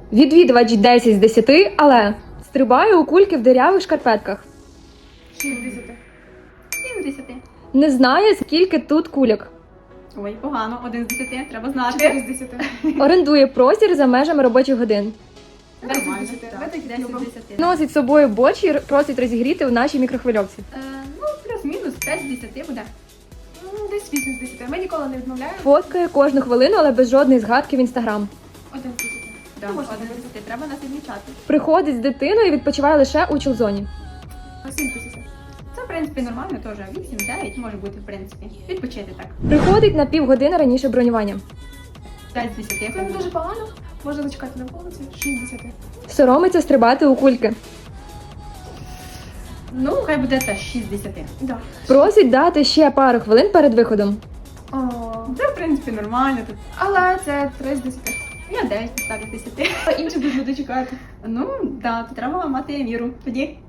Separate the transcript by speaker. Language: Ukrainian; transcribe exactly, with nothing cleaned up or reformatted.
Speaker 1: Відвідувач десять з десяти, але стрибає у кульки в дирявих шкарпетках.
Speaker 2: шість з десяти.
Speaker 3: сім з десяти.
Speaker 1: Не знає, скільки тут кульок.
Speaker 3: Ой, погано, один з десяти, треба
Speaker 2: чотири
Speaker 3: знати.
Speaker 2: з десяти.
Speaker 1: Орендує простір за межами робочих годин.
Speaker 2: десять з
Speaker 3: Нормально,
Speaker 2: десяти.
Speaker 3: так.
Speaker 2: Ми так
Speaker 3: десять з
Speaker 2: любимо.
Speaker 3: десяти.
Speaker 1: Носить з собою борщ і просить розігріти в нашій мікрохвильовці.
Speaker 3: Е, ну, плюс-мінус п'ять з десяти буде.
Speaker 2: М, Десь вісім з десяти. Ми ніколи не відмовляємо.
Speaker 1: Фоткає кожну хвилину, але без жодної згадки в інстаграм.
Speaker 2: Один з десяти.
Speaker 3: Да,
Speaker 2: Ну, можна
Speaker 3: один з
Speaker 2: дивитися.
Speaker 3: десяти. Треба нас відмічати.
Speaker 1: Приходить з дитиною і відпочиває лише у чулзоні.
Speaker 2: сім з десяти.
Speaker 3: Це, в принципі, нормально теж. вісім-дев'ять може бути, в принципі. Відпочити так.
Speaker 1: Приходить на півгодини раніше бронювання.
Speaker 3: п'ять з десяти.
Speaker 2: Це не дуже погано. Можна зачекати на вулиці. шість з десяти.
Speaker 1: Соромиться стрибати у кульки.
Speaker 3: Ну, хай буде теж шість з десяти.
Speaker 2: Да.
Speaker 1: Просить дати ще пару хвилин перед виходом.
Speaker 2: О,
Speaker 3: Це, в принципі, нормально тут.
Speaker 2: але це три з десяти.
Speaker 3: Я дев'ять поставлю з десяти.
Speaker 2: А інші будуть чекати.
Speaker 3: Ну, так, да, то треба мати міру. Тоді